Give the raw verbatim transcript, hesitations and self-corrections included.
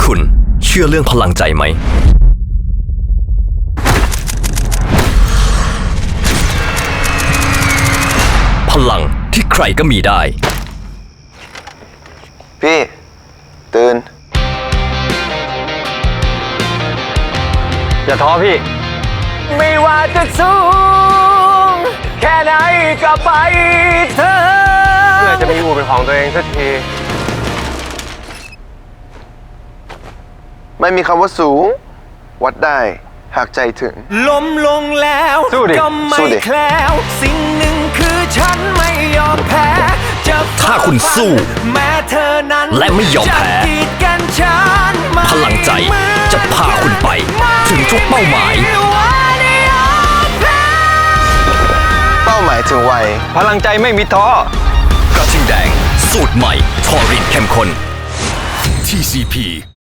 คุณเชื่อเรื่องพลังใจไหมพลังที่ใครก็มีได้พี่ตื่นอย่าท้อพี่ไม่ว่าจะสูงแค่ไหนก็ไปเธอเมื่อจะมีอู่เป็นของตัวเองสักทีไม่มีคำว่าสูงวัดได้หากใจถึงล้มลงแล้วก็ไม่แคล้วสิ่งหนึ่งคือฉันไม่ยอมแพ้ถ้าคุณสู้แม้เธอนั้นและไม่ยอมแพ้พลังใจจะพาคุณไปถึงทุกเป้าหมายเป้าหมายถึงวัยพลังใจไม่มีท้อกระทิงแดงสูตรใหม่ทอรินเข้มข้น ที ซี พี